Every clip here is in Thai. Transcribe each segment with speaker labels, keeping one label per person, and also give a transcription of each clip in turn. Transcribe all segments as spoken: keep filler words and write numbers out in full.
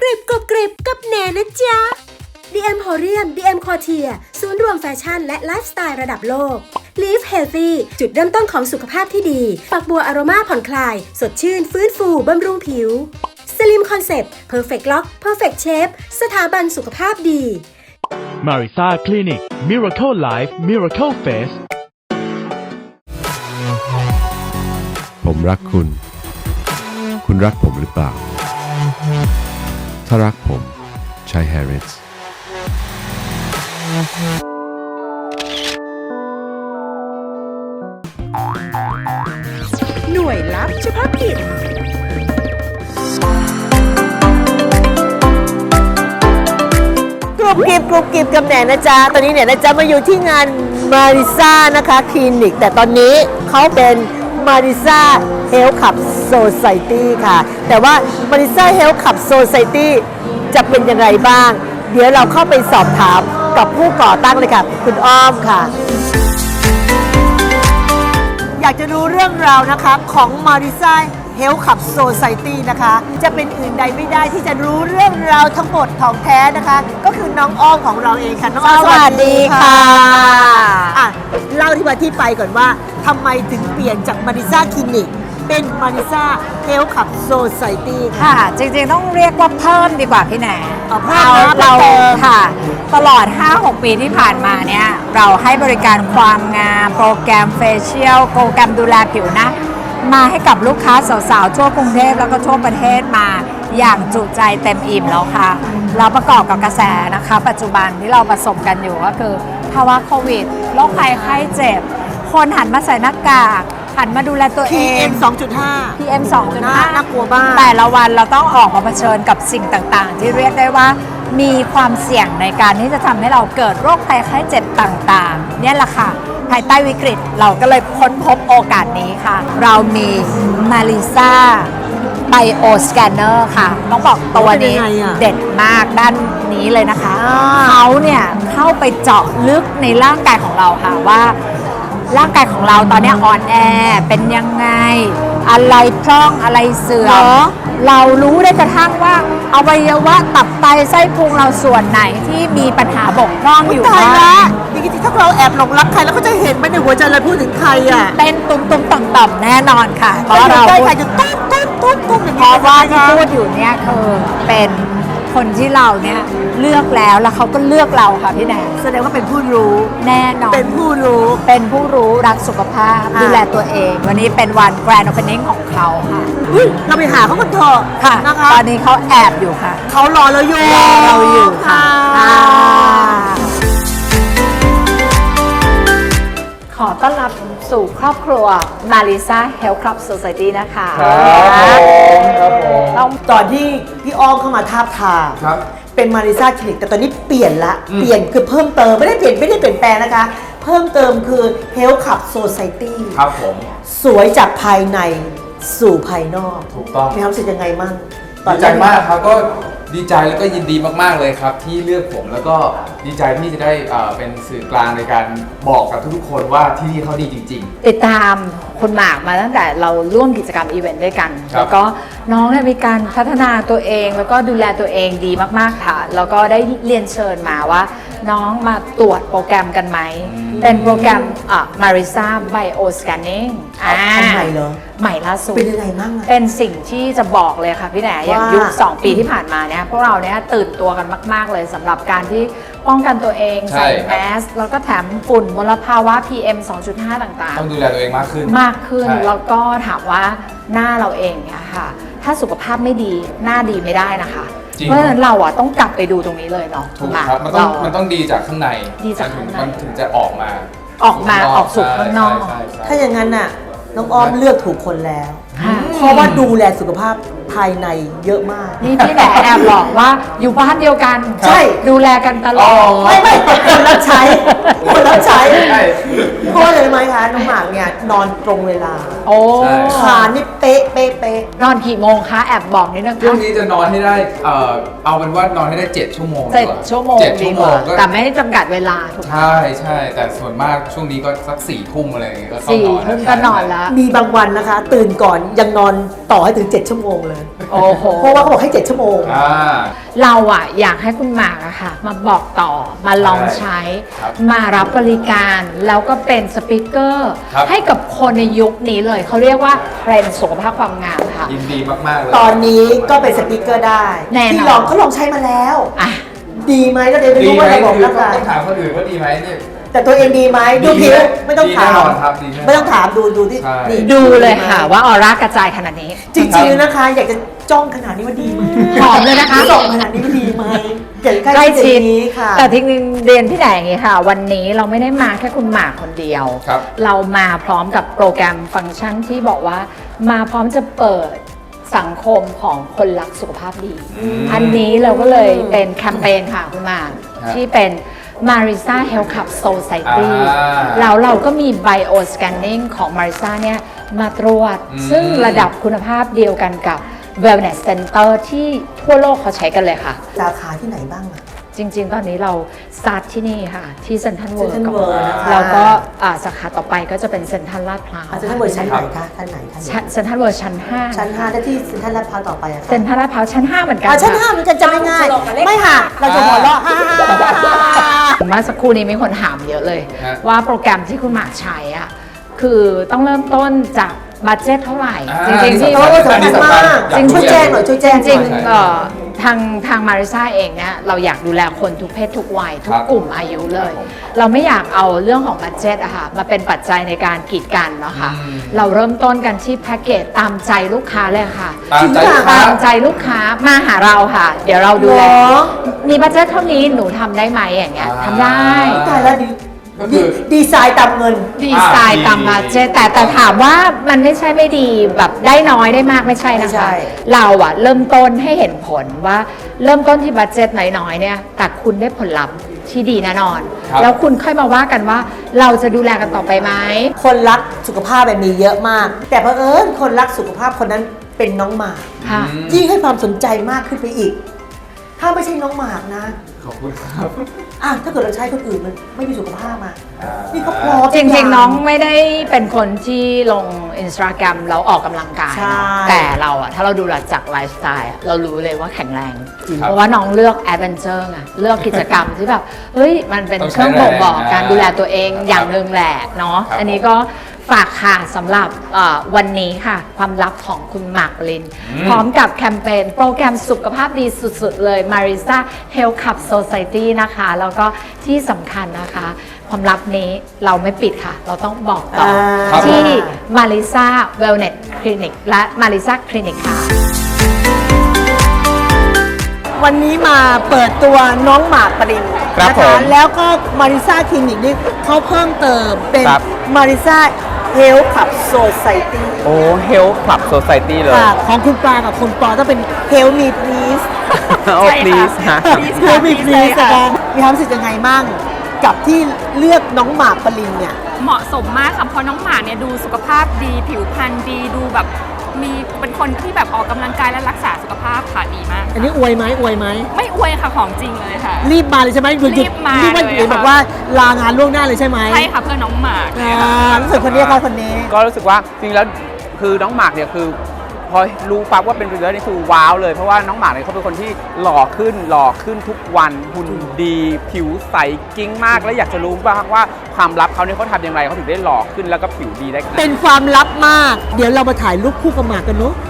Speaker 1: กริบกรอบกริบกับแหนนะจ๊ะ ดี เอ็ม Horium ดี เอ็ม Couture ศูนย์รวมแฟชั่นและไลฟ์สไตล์ระดับโลก Live Healthy จุดเริ่มต้นของสุขภาพที่ดีฝักบัวอโรมาผ่อนคลาย สดชื่นฟื้นฟูบำรุงผิว Slim Concept Perfect Lock Perfect Shape สถาบันสุขภาพดี
Speaker 2: Marisa Clinic Miracle Life Miracle Face
Speaker 3: ผมรักคุณ คุณรักผมหรือเปล่า ถ้ารักผมใช้ Harrods
Speaker 1: หน่วยลับเฉพาะกิจ
Speaker 4: กรุบกริบกรุบกริบกับแหนนะจ๊ะตอนนี้เนี่ยนะจ๊ะมาอยู่ที่งานมาริซ่านะคะคลินิกแต่ตอนนี้เขาเป็นมาริซ่าเฮลท์คลับโซไซตี้ค่ะแต่ว่ามาริซ่าเฮลท์คลับโซไซตี้จะเป็นยังไงบ้างเดี๋ยวเราเข้าไปสอบถามกับผู้ก่อตั้งเลยค่ะคุณอ้อมค่ะอยากจะรู้เรื่องราวนะคะของมาริซ่าเฮลท์คลับโซไซตี้นะคะจะเป็นอื่นใดไม่ได้ที่จะรู้เรื่องราวทั้งหมดของแท้นะคะก็คือน้องอ้อมของเราเองค่ะน้องอ้อมสวัสดีค่ะอ่ะเล่าที่มาที่ไปก่อนว่าทำไมถึงเปลี่ยนจากมาริซ่าคลินิกเป็นมาริซ่าเฮลท์คลับโซไซตี้ค่ะ
Speaker 5: ค่ะจริงๆต้องเรียกว่าเพิ่มดีกว่าพี่แหน
Speaker 4: เอาเพิ่ม
Speaker 5: เรา
Speaker 4: นะ
Speaker 5: เรา
Speaker 4: เพิ่ม
Speaker 5: ค่ะตลอด ห้าหก ปีที่ผ่านมาเนี่ยเราให้บริการความงามโปรแกรมเฟเชียลโปรแกรมดูแลผิวหนะมาให้กับลูกค้าสาวๆทั่วกรุงเทพแล้วก็ทั่วประเทศมาอย่างจุใจเต็มอิ่มแล้วค่ะเราประกอบกับกระแสนะคะปัจจุบันที่เราประสบกันอยู่ก็คือภาวะโควิดโรคภัยไข้เจ็บคนหันมาใส่หน้ากากหันมาดูแลตัวเอง
Speaker 4: พี เอ็ม สองจุดห้า
Speaker 5: พี เอ็ม สองจุดห้า
Speaker 4: น่ากลัวมาก
Speaker 5: แต่ละวันเราต้องออกมาเผชิญกับสิ่งต่างๆ ที่เรียกได้ว่ามีความเสี่ยงในการที่จะทำให้เราเกิดโรคภัยไข้เจ็บต่างๆเนี่ยแหละค่ะภายใต้วิกฤตเราก็เลยค้นพบโอกาสนี้ค่ะ เรามีมาริซ่าไบโอสแกนเนอร์ค่ะต้องบอกตัวนี้
Speaker 4: เป็นยังไงอะ
Speaker 5: เด็ดมากด้านนี้เลยนะคะ
Speaker 4: อ่า
Speaker 5: เขาเนี่ยเข้าไปเจาะลึกในร่างกายของเราค่ะว่า ร่างกายของเราตอนนี้อ่อนแอเป็นยังไง อะไรพร่องอะไรเสื่อมเรารู้ได้กระทั่งว่าอวัยวะตับไตไส้พุงเราส่วนไหนที่มีปัญหาบกพร่องอยู่
Speaker 4: ตาย
Speaker 5: บ้า
Speaker 4: ละ
Speaker 5: ง
Speaker 4: จริงๆถ้าเราแอบหลงรักใครแล้วก็จะเห็นไหมในหัวใจเราพูดถึงใครอ่ะ
Speaker 5: เต้นตุ้มตุ้มต่อมต่อมแน่นอนค่ะเพราะ
Speaker 4: เรา
Speaker 5: เรา
Speaker 4: ใกล้
Speaker 5: พู
Speaker 4: ใคร
Speaker 5: ด
Speaker 4: จะตุ้มตุ้มตุ้มตุ้มอย่าง
Speaker 5: เพ
Speaker 4: นี้
Speaker 5: ราะว่าที่
Speaker 4: นะคะ
Speaker 5: พูดอยู่เนี่ยคือเป็นคนที่เราเนี่ยเลือกแล้วแล้วเขาก็เลือกเราค่ะพี่แหน
Speaker 4: แสดงว่าเป็นผู้รู้
Speaker 5: แน่นอน
Speaker 4: เป็นผู้รู้
Speaker 5: เป็นผู้รู้รักสุขภาพ
Speaker 4: อ่า
Speaker 5: ดูแลตัวเอง วันนี้เป็นวันแกรนด์โอเพนนิ่งของเขาค่ะ
Speaker 4: อุ๊ยเราไปหาเขากันเถอะ
Speaker 5: ค่ะ
Speaker 4: นะคะ
Speaker 5: ตอนนี้เขาแอบอยู่ค่ะ
Speaker 4: เขารอเราอยู่
Speaker 5: รอเราอยู่ค่ะอ่าขอต้อนรับสู่ครอบครัว Marisa Health Club Society นะคะ
Speaker 6: ครับผมครับผม
Speaker 5: ต้อง
Speaker 4: ตอนที่พี่อ้อมเข้ามาทาบทาม
Speaker 6: ครับ
Speaker 4: เป็นมาริซ่าคลินิกแต่ตอนนี้เปลี่ยนละ
Speaker 6: อืม
Speaker 4: เปลี่ยนคือเพิ่มเติมไม่ได้เปลี่ยนไม่ได้เปลี่ยนแปลงนะคะ เพิ่มเติมคือ Health Club Society
Speaker 6: ครับผม
Speaker 4: สวยจากภายในสู่ภายนอก
Speaker 6: ถูกต้อง
Speaker 4: มีความรู้สึกยังไงมั่งตอน
Speaker 6: ดี
Speaker 4: แร
Speaker 6: ใจมากครับก็ดีใจแล้วก็ยินดีมากๆเลยครับ ที่เลือกผมแล้วก็ดีใจที่จะได้เอ่อเป็นสื่อกลางในการบอกกับทุกๆคนว่าที่นี่เขาดีจริง
Speaker 5: ติดตามคุณหมากมาตั้งแต่เราร่วมกิจกรรมอีเวนต์ด้วยกัน
Speaker 6: ครับ
Speaker 5: แล้วก็น้องเนี่ยมีการพัฒนาตัวเองแล้วก็ดูแลตัวเองดีมากๆค่ะ แล้วก็ได้เรียนเชิญมาว่า น้องมาตรวจโปรแกรมกันไหม เป็นโปรแกรมอ่ะ Marisa Bio Scanning อ่า
Speaker 4: อันใหม่เหรอ
Speaker 5: ใหม่ล่าสุด
Speaker 4: เป็นยังไงมั่งอะ
Speaker 5: เป็นสิ่งที่จะบอกเลยค่ะพี่แหนอย่าง
Speaker 4: ว่ายุ
Speaker 5: ยุคสองปีที่ผ่านมาเนี่ยพวกเราเนี่ยตื่นตัวกันมาก ๆ เลยสำหรับการที่ป้องกันตัวเอง
Speaker 6: ใช่
Speaker 5: ใส่
Speaker 6: ครับ
Speaker 5: แมสแล้วก็แถมฝุ่นมลภาวะ พี เอ็ม สองจุดห้า ต่าง
Speaker 6: ๆ ต้องดูแลตัวเองมากขึ้น
Speaker 5: ๆ มากขึ้น
Speaker 6: ใช่
Speaker 5: แล้วก็ถามว่าหน้าเราเองเนี่ยค่ะ ถ้าสุขภาพไม่ดีหน้าดีไม่ได้นะคะ
Speaker 6: จริง
Speaker 5: เพราะฉะนั้นเราอ่ะต้องกลับไปดูตรงนี้เลยเนาะ
Speaker 6: ถูกครับมันต้องมันต้องดีจากข้างใน
Speaker 5: ดีจากข้างใน
Speaker 6: มันถึงจะออกมา
Speaker 5: ออกมาออกสู่ข้างนอก
Speaker 6: ใช่ใช่ใช่
Speaker 4: ถ้าอย่างนั้นน่ะน้องอ้อมเลือกถูกคนแล้ว
Speaker 5: ค่ะ
Speaker 4: เพราะว่าดูแลสุขภาพภายในเยอะมาก
Speaker 5: นี่พี่แหนแอบหลอกว่าอยู่บ้านเดียวกัน
Speaker 4: ใช่
Speaker 5: ดูแลกันตลอด
Speaker 4: ไม่ไม่แต่คนรับใช้คนรับใช้
Speaker 6: ใช่
Speaker 4: เพราะอะไรรู้ไหมคะน้องหมากเนี่ยนอนตรงเวลา
Speaker 5: โอ้
Speaker 6: ใช่
Speaker 4: ขานี่เป๊ะเป๊ะเป๊ะ
Speaker 5: นอนกี่โมงคะแอบบอกนิดนึง
Speaker 6: ช่วง
Speaker 5: คะ
Speaker 6: นี้จะนอนให้ได้เอ่อเอาเป็นว่านอนให้ได้เจ็ดชั่วโมง
Speaker 5: เจ็ด
Speaker 6: ดีกา
Speaker 5: ชั่วโมง
Speaker 6: เจ็ด
Speaker 5: ดี
Speaker 6: ชั่ว
Speaker 5: ก
Speaker 6: โม
Speaker 5: ว่าง
Speaker 6: ก็
Speaker 5: แต่ไม่ได้จำกัดเวลาถูกไหม
Speaker 6: ใช่ใช่แต่ส่วนมากช่วงนี้ก็สักสี่ทุ่มอะไรอย่างเงี้ยก็เข้า
Speaker 5: สี่
Speaker 6: นอน
Speaker 5: ทุ่มก็นอนแล้ว
Speaker 4: มีบางวันนะคะ ตื่นก่อนยังนอนต่อให้ถึงเจ็ดชั่วโมงเลย
Speaker 5: โอ้โห
Speaker 4: เพราะว่าเขาบอกให้เจ็ดชั่วโมง
Speaker 6: อ่า
Speaker 5: เราอะอยากให้คุณหมากอะค่ะ มาบอกต่อมาลองใช้
Speaker 6: ครับ
Speaker 5: มารับบริการแล้วก็เป็นสปิเกอร์
Speaker 6: ครับ
Speaker 5: ให้กับคนในยุคนี้เลย เขาเรียกว่าเทรนด์สุขภาพความงามค่ะ
Speaker 6: ยินดีมากๆเลย
Speaker 4: ตอนนี้ก็เป็นสปีกเกอร์ได้
Speaker 5: แน่นอน
Speaker 4: ที่ลองเขาลองใช้มาแล้ว
Speaker 5: อ่ะ
Speaker 4: ดีไหมก็เดี๋ยวไม่
Speaker 6: ดี
Speaker 4: รู้
Speaker 6: ไหม
Speaker 4: ว่าระบบ
Speaker 6: คือ
Speaker 4: ร่าง
Speaker 6: ต้อง
Speaker 4: กาย
Speaker 6: ต้องถามคนอื่นว่าดีไหมเนี่ย
Speaker 4: แต่ตัวเองดีไหมดูผิวไม่ต้องถาม
Speaker 6: ดีแน่นอนครับดีแน่นอน
Speaker 4: ไม่ต้องถามดูดูที่
Speaker 6: ใช่
Speaker 4: นี่
Speaker 5: ดูเลยค่ะว่าออร่ากระจายขนาดนี้
Speaker 4: จริงๆนะคะ อยากจะจ้องขนาดนี้ว่าดีไหม
Speaker 5: หอมเลยนะคะ
Speaker 4: ส่องขนาดนี้ว่าดีไหมอยากจะ
Speaker 5: ใก
Speaker 4: ใก
Speaker 5: ล้
Speaker 4: ล้
Speaker 5: ชิ
Speaker 4: ชิ
Speaker 5: ด
Speaker 4: ดนี้ค่ะ
Speaker 5: แต่ทีนึงเรียนพี่แหนอย่างนี้ค่ะ วันนี้เราไม่ได้มาแค่คุณหมากคนเดียว
Speaker 6: ครับ
Speaker 5: เรามาพร้อมกับโปรแกรมฟังก์ชันที่บอกว่ามาพร้อมจะเปิดสังคมของคนรักสุขภาพดี อันนี้เราก็เลยเป็นแคมเปญค่ะคุณหมาก
Speaker 6: ครับ
Speaker 5: ที่เป็น Marisa Health Club Society
Speaker 6: อ่า
Speaker 5: แล้วเราก็มี Bio Scanning ของ Marisa เนี่ยมาตรวจ
Speaker 6: อืม
Speaker 5: ซึ่งระดับคุณภาพเดียวกันกับ Wellness Center ที่ทั่วโลกเขาใช้กันเลยค่ะ
Speaker 4: สาขาที่ไหนบ้างอะ
Speaker 5: จริง ๆ ตอนนี้เราสตาร์ทที่นี่ค่ะ ที่เซ็นทรัลเวิร์
Speaker 4: Central World นะคะ
Speaker 5: แล้วก็อ่าสาขาต่อไปก็จะเป็นเซ็นทรัลลาดพร้าว
Speaker 4: อาจจะท่านเวอร์ชันไหนคะท่านไหนท่านไหน
Speaker 5: ชั้นเซ็นทรัลเวิร์ชั้นห้า
Speaker 4: ชั้นห้าถ้าที่เซ็นทรัลลาดพร้าวต่อไปอะค่ะ
Speaker 5: เซ็นทรัลลาดพร้าวชั้นห้าเหมือนกัน
Speaker 4: อ่าชั้น
Speaker 5: ค่ะ
Speaker 4: ห้ามันจะจำไม่ง่ายไม่ค่ะ เราจะหัวเราะฮ่าฮ่าฮ่าฮ่า
Speaker 5: เมื่อสักครู่นี้มีคนถามเยอะเลย
Speaker 6: ฮะ
Speaker 5: ว่าโปรแกรมที่คุณหมากใช้อ่ะคือต้องเริ่มต้นจากบัตเจ็ตเท่าไหร่
Speaker 6: อ่า
Speaker 5: จริงๆที่
Speaker 4: โอ้สำคัญมาก
Speaker 6: อยากรู้
Speaker 4: ช่วยแจ้งหน่อยช่วยแจ้ง
Speaker 5: จริง
Speaker 4: หน่อย
Speaker 5: ๆเอ่อทางทางมาริซาเองเนี่ยเราอยากดูแลคนทุกเพศทุกวัย ทุกกลุ่มอายุเลย
Speaker 6: ครับผม
Speaker 5: เราไม่อยากเอาเรื่องของบัตเจ็ตอะค่ะมาเป็นปัจจัยในการกีดกันเนาะค่ะ
Speaker 6: อืม
Speaker 5: เราเริ่มต้นกันที่แพ็กเกจตามใจลูกค้าเลยค่ะ
Speaker 6: ตามใจลูกค้า
Speaker 5: ตามใจลูกค้ามาหาเราค่ะ เดี๋ยวเราดูแล
Speaker 4: เหรอ
Speaker 5: มีบัตเจ็ตเท่านี้หนูทำได้ไหมอย่างเงี้ย
Speaker 6: อ่า
Speaker 5: ทำได้
Speaker 4: ตายแล้วดี
Speaker 6: ก็คือ
Speaker 4: ดีไซน์ตามเงิน
Speaker 5: ดีไซน์
Speaker 6: อ่า
Speaker 5: ตาม
Speaker 6: ดี
Speaker 5: บัตเจ็ตแต่แต่ถามว่ามันไม่ใช่ไม่ดีแบบได้น้อยได้มากไม่ใช่นะ
Speaker 4: ไม่ใช่
Speaker 5: คะ เราอะเริ่มต้นให้เห็นผลว่าเริ่มต้นที่บัตเจ็ตน้อยๆเนี่ยแต่คุณได้ผลลัพธ์ที่ดีแน่นอน
Speaker 6: ครับ
Speaker 5: แล้วคุณค่อยมาว่ากันว่าเราจะดูแลกันต่อไปไหม
Speaker 4: คนรักสุขภาพแบบมีเยอะมาก แต่เผอิญคนรักสุขภาพคนนั้นเป็นน้องหมาก
Speaker 5: ค่ะ
Speaker 6: อืม
Speaker 4: ยิ่งให้ความสนใจมากขึ้นไปอีก ถ้าไม่ใช่น้องหมากนะ
Speaker 6: ขอบคุณครับ
Speaker 4: อ่ะถ้าเกิดเราใช้คนอื่นมันไม่มีสุขภาพมา
Speaker 6: อ่า
Speaker 4: นี่เขาพร้อม
Speaker 5: จริง
Speaker 4: ทุกย่า
Speaker 5: ๆ น้องไม่ได้เป็นคนที่ลงอินสตาแกรมแล้วออกกำลังกาย
Speaker 4: ใช่
Speaker 5: เนอะแต่เราอะถ้าเราดูจากไลฟ์สไตล์อะเรารู้เลยว่าแข็งแรง
Speaker 6: จริง
Speaker 5: เพราะว่าน้องเลือกแอดเวนเจอร์ไงเลือกกิจกรรมที่แบบ เฮ้ย มันเป็น
Speaker 6: ต้อง
Speaker 5: เค
Speaker 6: ใช้
Speaker 5: รื่องบ่งบอก
Speaker 6: แรงนะ
Speaker 5: การดูแลตัวเอง
Speaker 6: ครับ
Speaker 5: อย่างหนึ่งแหละเนาะ
Speaker 6: ครับ
Speaker 5: อันนี้ก็ฝากค่ะสำหรับเอ่อวันนี้ค่ะ ความลับของคุณหมากปริน
Speaker 6: อืม
Speaker 5: พร้อมกับแคมเปญโปรแกรมสุขภาพดีสุดๆ เลย Marisa Health Club Society นะคะ แล้วก็ที่สำคัญนะคะ ความลับนี้เราไม่ปิดค่ะ เราต้องบอกต่อ
Speaker 4: ครับ
Speaker 5: ที่ Marisa Wellness Clinic และ Marisa Clinic ค่ะ
Speaker 4: วันนี้มาเปิดตัวน้องหมากปริน
Speaker 7: ครับ
Speaker 4: นะ
Speaker 7: ผ
Speaker 4: คะ
Speaker 7: ม
Speaker 4: แล้วก็มาริซาคลินิกนี่เขาเพิ่มเติมเป็น
Speaker 7: ครับ
Speaker 4: มาริซาเฮลท์คลับโซไซตี้
Speaker 7: โอ้เฮลท์คลับโซ i ตี้เลย
Speaker 4: ค่ะของคุณปลากับคุณปอต้องเป็นเฮลมีพลีส
Speaker 7: โอ้ please ฮะ
Speaker 4: เฮลมีพลีสนะคะมีความรู้สึกยังไงมั่งกับที่เลือกน้องหมากปรินเนี่ย
Speaker 8: เหมาะสมมากค่ะเพราะน้องหมาเนี่ยดูสุขภาพดีผิวพรรณดีดูแบบมีเป็นคนที่แบบออกกำลังกายและรักษาสุขภาพค่ะดีมาก
Speaker 4: อันนี้อวยไหมอวยไหม
Speaker 8: ไม่อวยค่ะของจริงเลยค่ะ
Speaker 4: รีบมาเลยใช่ไหมหยุดหยุด
Speaker 8: รีบมา
Speaker 4: รีบว่า
Speaker 8: เลย
Speaker 4: หยุด
Speaker 8: ค่ะ
Speaker 4: แบบว่าลางานล่วงหน้าเลยใช่ไหม
Speaker 8: ใช่ค่ะเพื่อน้องหมา
Speaker 4: อ่ารู้สึกคนนี้ค่ะคนนี้
Speaker 7: ก็รู้สึกว่าจริงๆแล้วคือน้องหมากเนี่ยคือ พอรู้ปั๊บว่าเป็นพรีเซนเตอร์นี่คือว้าวเลยเพราะว่าน้องหมากเนี่ยเขาเป็นคนที่หล่อขึ้นหล่อขึ้นทุกวันหุ่นดีผิวใสกิ้งมาก และอยากจะรู้บ้างว่าความลับเขาเนี่ยเขาทำอย่างไรเขาถึงได้หล่อขึ้นแล้วก็ผิวดีได้ขนาด
Speaker 4: เป็
Speaker 7: นี้
Speaker 4: นความลับมาก เดี๋ยวเรามาถ่ายรูปคู่กับหมากกันเนุ๊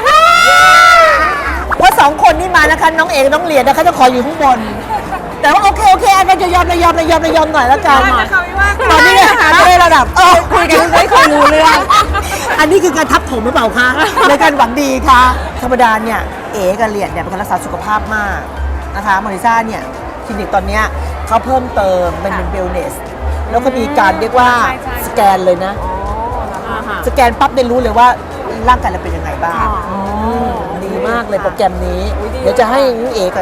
Speaker 4: เพราะสองคนนี้มานะคะน้องเอกน้องเหรียญนะคะจะขออยู่ข้างบน แต่ว่าโอเคโอเคอันนั้นจะยอมระยอมระยอมระยอมหน่อยแล้วกันตอนนี้นะคะได้ระดับเออคุยกันไม่ค่อยรู้เรื่องอันนี้คือการทับถมหรือเปล่าคะในการหวังดีคะธรรมดาเนี่ยเอ๋กับเหรียญเนี่ยเป็นคนรักษาสุขภาพมากนะคะมาริซ่าเนี่ยคลินิกตอนเนี้ยเขาเพิ่มเติมเป็นเป็นเวลเนสแล้วก็มีการเรียกว่าสแกนเลยนะ สแกนปั๊บได้รู้เลยว่าร่างกายเราเป็นยังไงบ้างมดีมากเลยโปรแกรมนี้ เดี๋ยวจะให้น้องเอกับ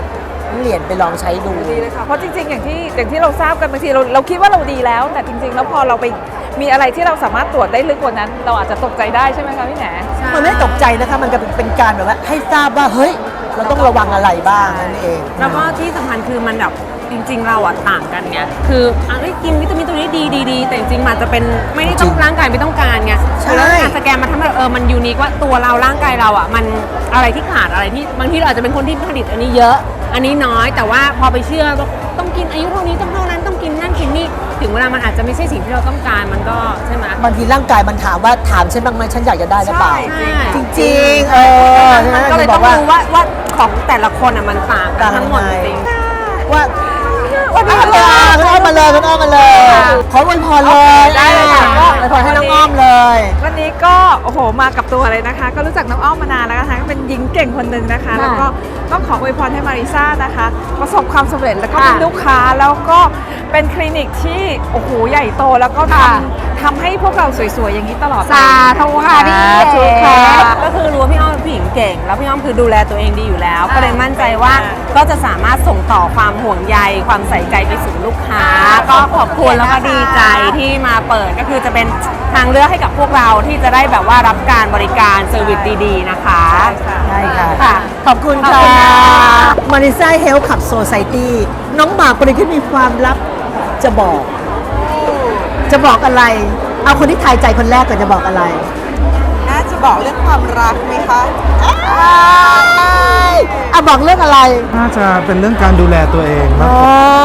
Speaker 4: เหรียญไปลองใช้ดู
Speaker 9: ดีเลยค่ะ เพราะจริงๆ อย่างที่อย่างที่เราทราบกันบางทีเราเราคิดว่าเราดีแล้ว แต่จริงๆ แล้วพอเราไปมีอะไรที่เราสามารถตรวจได้ลึกกว่านั้น เราอาจจะตกใจได้ใช่ไหมคะพี่แหน
Speaker 4: มันไม่ตกใจนะคะมันก็เป็นการแบบว่าให้ทราบว่าเฮ้ยเราต้องระวังอะไรบ้างนั่นเอง
Speaker 10: แล้วก็ที่สำคัญคือมันแบบจริงๆ เราอะต่างกันไงคืออ่ะเอ้ยกินวิตามินตัวนี้ดีดีดีแต่จริงๆมันอาจจะเป็นไม่ได้ต้องร่างกายไม่ต้องการไง
Speaker 4: ใช่
Speaker 10: แล้วการสแกนมาทำให้เออมันยูนิคว่าตัวเราร่างกายเราอะมันอะไรที่ขาดอะไรที่บางทีเราอาจจะเป็นคนที่ผลิตอันนี้เยอะ อันนี้น้อยแต่ว่าพอไปเชื่อว่าต้องกินอายุเท่านี้ต้องเท่านั้นต้องกินนั่นกินนี่ถึงเวลามันอาจจะไม่ใช่สิ่งที่เราต้องการมันก็ใช่ไหม
Speaker 4: บางทีร่างกายมันถามว่าถามฉันบ้างไหมฉันอยากจะได้หรือเปล่า
Speaker 10: ใช่
Speaker 4: จริงๆเออ
Speaker 10: มันก็เลยต้องรู้ว่าว่าของแต่ละคนอะมันต่างกันทั้งหมดจริง
Speaker 4: ว่าวันนี้คุณอ้อมมาเลยคุณอ้อมมาเลยขออวยพรเลย
Speaker 9: ได้เลยค่ะก็
Speaker 4: อวยพรให้น้องอ้อมเลย
Speaker 9: วันนี้ก็โอ้โหมากับตัวเลยนะคะ ก็รู้จักน้องอ้อมมานานแล้วนะคะก็เป็นหญิงเก่งคนหนึ่งนะคะ แล้วก็ต้องขออวยพรให้มาริซ่านะคะ ประสบความสำเร็จแล้วก็เป็นลูกค้าแล้วก็เป็นคลินิกที่โอ้โหใหญ่โตแล้วก็ทำทำให้พวกเราสวยๆอย่างนี้ตลอดไป
Speaker 10: สาธุค่ะพี่
Speaker 4: สาธุ
Speaker 10: เอ๋
Speaker 4: ค่ะ
Speaker 10: ก็คือรู้ว่าพี่อ้อมเป็นผู้หญิงเก่ง แล้วพี่อ้อมคือดูแลตัวเองดีอยู่แล้ว ก็เลยมั่นใจว่าก็จะสามารถส่งต่อความห่วงใยความใส่ใจไปสู่ลูกค้า ก็ขอบคุณแล้วก็ดีใจที่มาเปิดก็คือจะเป็นทางเลือกให้กับพวกเราที่จะได้แบบว่ารับการบริการเซอร์วิสดีๆนะคะ
Speaker 4: ใช่ค่ะ
Speaker 10: ค่ะ
Speaker 4: ขอบคุณ
Speaker 10: ขอบ
Speaker 4: ค่ะ
Speaker 10: คุณค่ะ
Speaker 4: มาริซ่าเฮลท์ขับโซไซตี้น้องหมากคนนี้ที่มีความลับจะบอก จะบอกอะไร เอาคนที่ทายใจคนแรกก่อนจะบอกอะไร
Speaker 9: น่าจะบอกเรื่องความรักไหมคะ
Speaker 4: อ่ะบอกเรื่องอะไร
Speaker 11: น่าจะเป็นเรื่องการดูแลตัวเองค
Speaker 4: อ๋
Speaker 11: รั
Speaker 4: อบ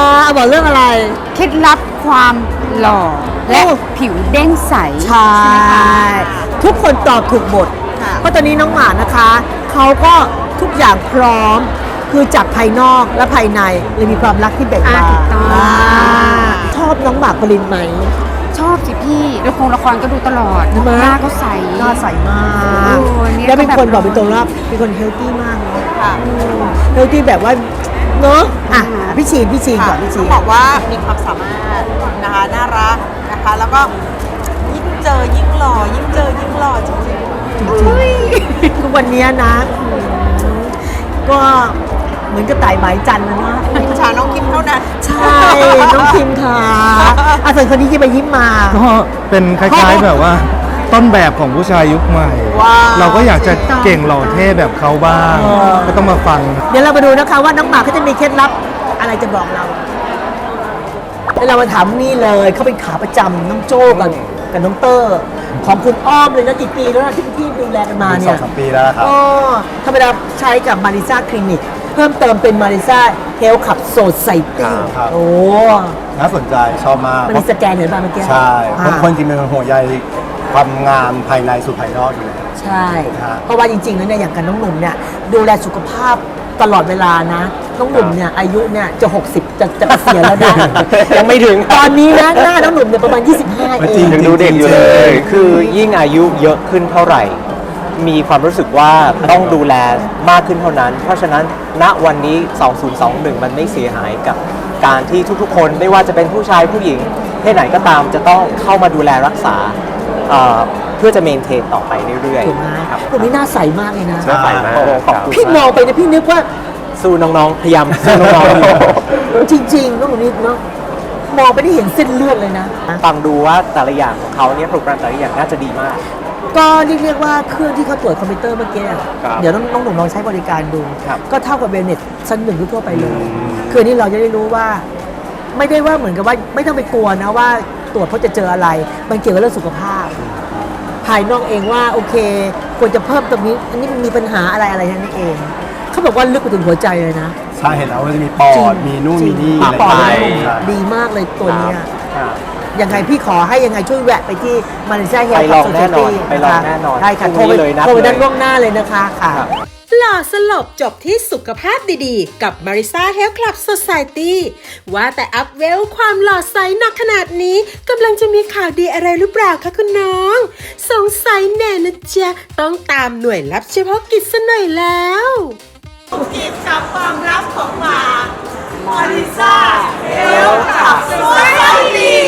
Speaker 4: อ่ะบอกเรื่องอะไร
Speaker 5: เคล็ดลับความหล่อและผิวเด้งใส
Speaker 4: ใช่ ทุกคนตอบถูกหมด เพราะตอนนี้น้องหมานะคะ เขาก็ทุกอย่างพร้อม คือจากภายนอกและภายในเลยมีความรักที่แบ่งบาน
Speaker 5: อ่าถูกต้อง
Speaker 4: อ่าชอบน้องหมากปรินไหม
Speaker 5: ชอบสิพี่ละครละครก็ดูตลอด
Speaker 4: ใช่ไหม
Speaker 5: หน้าก็ใส
Speaker 4: หน้าใสมาก
Speaker 5: โอ้เนี่ย
Speaker 4: แล้วเป็นคน
Speaker 5: ก็แบบ
Speaker 4: บอกเป็นตัวรับเป็นคนเฮลตี้มากเนาะเฮลตี้แบบว่าเนาะอ่ะพี่ชีนพี่ชีนก่อนพี่ชีน
Speaker 9: บอกว่ามีความสามารถนะคะน่ารักนะคะ แล้วก็ยิ่งเจอยิ่งหล่อยิ่งเจอยิ่งหล่อจริง
Speaker 4: จริงๆทุกวันนี้นะอืมก็เหมือนกระต่ายหมายจันทร์นะเนาะ
Speaker 9: ๆอิจฉาน้องคิมเท่านั้น
Speaker 4: ใช่ น้องคิมค่ะอาส่วนคนนี้ยิ้มไปยิ้มมา
Speaker 11: ก็เป็นคล้ายๆแบบว่า ต้นแบบของผู้ชายยุคใหม่
Speaker 4: ว้าว
Speaker 11: เราก็อยากจะเก่งหล่อเท่แบบเขาบ้าง
Speaker 4: เออ
Speaker 11: ก็ต้องมาฟัง
Speaker 4: เดี๋ยวเรามาดูนะคะว่าน้องหมากเขาจะมีเคล็ดลับอะไรจะบอกเราเดี๋ยวเรามาถามนี่เลยเขาเป็นขาประจำน้องโจ้กับกับน้องเตอร์ของคุณอ้อมเลยนะกี่ปีแล้วนะที่ที่ดูแลกันมาเนี่ย
Speaker 11: สองสามปีแล้วครับ
Speaker 4: อ๋อธรรมดาใช้กับมาริซ่าคลินิกเพิ่มเติมเป็นมาริซ่าเฮลท์ขับโซไซตี้
Speaker 11: ครับ
Speaker 4: โอ้
Speaker 11: น่าสนใจชอบมาก
Speaker 4: มันมีสแกนเห็นป่ะเมื่อกี้
Speaker 11: ใช่
Speaker 4: อ่า
Speaker 11: คนคนจริงเป็นคนห่วงใยความงามภายในสู่ภายนอกอยู่แล้ว
Speaker 4: ใช่
Speaker 11: ครับ
Speaker 4: เพราะว่าจริงๆแล้วเนี่ยอย่างกับน้องหนุ่มเนี่ยดูแลสุขภาพตลอดเวลานะ น้องหนุ่มเนี่ยอายุเนี่ยจะหกสิบจะจะเกษียณแล้วนะ
Speaker 12: ยังไม่ถึง
Speaker 4: ตอนนี้นะหน้าน้องหนุ่มเนี่ยประมาณยี่สิบห้า
Speaker 11: ไม่
Speaker 4: เอ
Speaker 11: จริ
Speaker 4: ง
Speaker 11: ง
Speaker 12: ยังดูเด็กอยู่เลย คือยิ่งอายุเยอะขึ้นเท่าไหร่ มีความรู้สึกว่าต้องดูแลมากขึ้นเท่านั้น เพราะฉะนั้นณวันนี้ สองพันยี่สิบเอ็ด มันไม่เสียหายกับการที่ทุกๆ คนไม่ว่าจะเป็นผู้ชายผู้หญิงเพศไหนก็ตามจะต้องเข้ามาดูแลรักษาเอ่อเพื่อจะเมนเทนต่อไปเรื่อย
Speaker 4: ถูกไหม
Speaker 12: ๆครับ
Speaker 4: ตรงนี้หน้าใสมากเลยนะ
Speaker 12: ใช่มาก
Speaker 11: โอ้โห
Speaker 12: ขอบคุณ
Speaker 4: พี่มองไปเนี่ยพี่นึกว่า
Speaker 12: สู้น้องๆ พยายามสู้น้องๆอยู่
Speaker 4: จริงๆน้องหนุ่มนี่เนาะมองไปได้เห็นเส้นเลือดเลยนะ
Speaker 12: ฟังดูว่าแต่ละอย่างของเขาเนี่ยโปรแกรมแต่ละอย่างน่าจะดีมาก
Speaker 4: ก็เรียกว่าเครื่องที่เขาตรวจคอมพิวเตอร์เมื่อกี้อะ
Speaker 12: ครับ
Speaker 4: เดี๋ยวน้องน้องหนุ่มลองใช้บริการดู
Speaker 12: ครับ
Speaker 4: ก็เท่ากับเวลเนสชั้นหนึ่งทั่วๆไปเลย คืออนนี้เราจะได้รู้ว่า ไม่ได้ว่าเหมือนกับว่าไม่ต้องไปกลัวนะว่าตรวจเพราะจะเจออะไร มันเกี่ยวกับเรื่องสุขภาพ ภายนอกเองว่าโอเค ควรจะเพิ่มตรงนี้ อันนี้มันมีปัญหาอะไรอะไรนั่นเอง เขาบอกว่าลึกไปถึงหัวใจเลยนะ
Speaker 11: ใช่เห็นแล้วว่าจะมีปอ
Speaker 4: จริ
Speaker 11: ด
Speaker 4: ง
Speaker 11: มีนู่น
Speaker 4: จริ
Speaker 11: มี
Speaker 4: ง
Speaker 11: นี่
Speaker 4: ปอด
Speaker 11: อะไร
Speaker 4: เลย
Speaker 11: ใช่
Speaker 4: ดีมากเลยตัวเนี้ย
Speaker 12: ครับ
Speaker 4: ยังไงพี่ขอให้ยังไงช่วยแวะไปที่มาเลเซียเฮล
Speaker 12: ไป
Speaker 4: ท์
Speaker 12: ลอง
Speaker 4: โซ
Speaker 12: แน่
Speaker 4: เซ
Speaker 12: นอน
Speaker 4: ตี้
Speaker 12: ไปลองแน่นอน
Speaker 4: ใช่ค่ะ
Speaker 12: พ
Speaker 4: โท
Speaker 12: รุ่
Speaker 4: รง ไป
Speaker 12: นี้เลยนัด
Speaker 4: โทรไป
Speaker 12: เลย
Speaker 4: ด้านล่วงหน้าเลยนะคะค่ะ
Speaker 1: หล่อสลบจบที่สุขภาพดีๆ กับ Marisa Health Club Society ว่าแต่อัพเวลความหล่อใสหนักขนาดนี้กำลังจะมีข่าวดีอะไรหรือเปล่าคะคุณน้อง สงสัยแน่นะจ๊ะต้องตามหน่วยลับเฉพาะกิจซะหน่อยแล้ว
Speaker 4: กิจกับความลับของหมามาริซ่าเฮลท์ขับโซไซตี้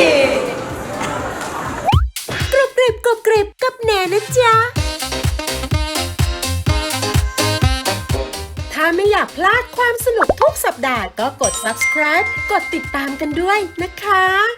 Speaker 1: กรุบกริบกรุบกริบกับแหนนะจ๊ะ ถ้าไม่อยากากพลาดความสนุกทุกสัปดาห์ก็กด subscribe กดติดตามกันด้วยนะคะ